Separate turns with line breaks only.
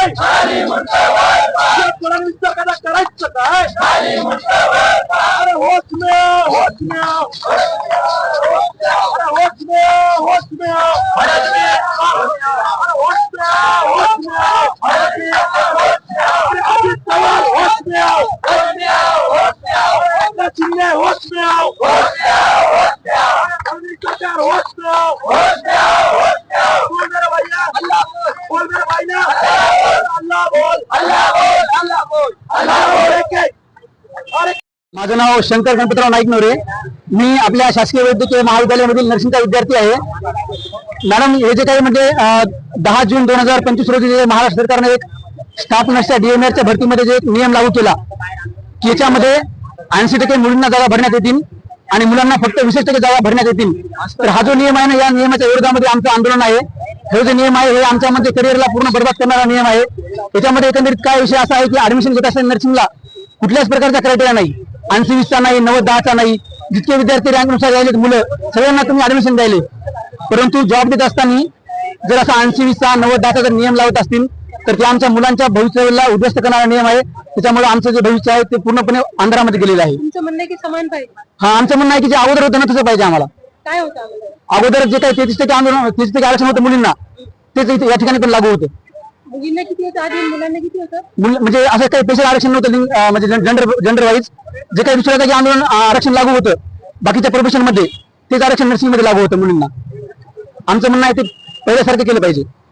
काय फडणवीसचं कदा करायचं काय अरे होश में आओ होश में आओ अरे होश में आओ होश में आओ अरे होश में आओ होश में आओ अरे अजित पवार होश में आओ एकनाथ शिंदे होश में आओ मोदी सरकार होश में आओ बोल मेरे भैया अल्लाह बोल मेरे भाई ना अल्लाह बोल
माझं नाव शंकर गणपतराव नाईक नवरे। मी आपल्या शासकीय वैद्यकीय महाविद्यालयामधील नर्सिंगचा विद्यार्थी आहे। मॅडम, हे जे काही म्हणजे 10 जून 2025 रोजी जे महाराष्ट्र सरकारने एक स्टाफ नर्सच्या डीएमआरच्या भरतीमध्ये जे नियम लागू केला की याच्यामध्ये 80% मुलींना जागा भरण्यात येतील आणि मुलांना फक्त 20% जागा भरण्यात येतील। तर हा जो नियम आहे ना, या नियमाच्या विरोधामध्ये आमचं आंदोलन आहे। हे जे नियम आहे हे आमच्या म्हणजे करिअरला पूर्ण बरबाद करणारा नियम आहे। याच्यामध्ये एकंदरीत काय विषय असा आहे की ऍडमिशन घेत असताना नर्सिंगला कुठल्याच प्रकारचा क्रायटेरिया नाही, 80-20चा नाही, 90-10चा नाही। जितके विद्यार्थी रँकनुसार राहिलेत मुलं सगळ्यांना तुम्ही ऍडमिशन द्यायले, परंतु जॉब देत असताना जर असा 80-20चा 90-10चा जर नियम लावत असतील तर ते आमच्या मुलांच्या भविष्याला उद्ध्वस्त करणारा नियम आहे। त्याच्यामुळे आमचं जे भविष्य आहे ते पूर्णपणे अंधारामध्ये गेलेलं आहे।
तुमचं म्हणणं आहे की समान पाहिजे?
हा, आमचं म्हणणं आहे की जे अगोदर होतं ना तसं पाहिजे आम्हाला।
काय होतं
अगोदर जे काही 33% आंदोलन 33% आरक्षण होतं मुलींना, तेच या ठिकाणी पण लागू होतं।
मुलींना किती होतं आधी, मुलांना किती होतं?
म्हणजे असं काही स्पेशल आरक्षण नव्हतं, म्हणजे जेंडर वाईज जे काही दुसऱ्या जागी आंदोलन आरक्षण लागू होतं बाकीच्या प्रोफेशन मध्ये, तेच आरक्षण नर्सिंग मध्ये लागू होतं मुलींना। आमचं म्हणणं आहे ते पहिल्यासारखं केलं पाहिजे।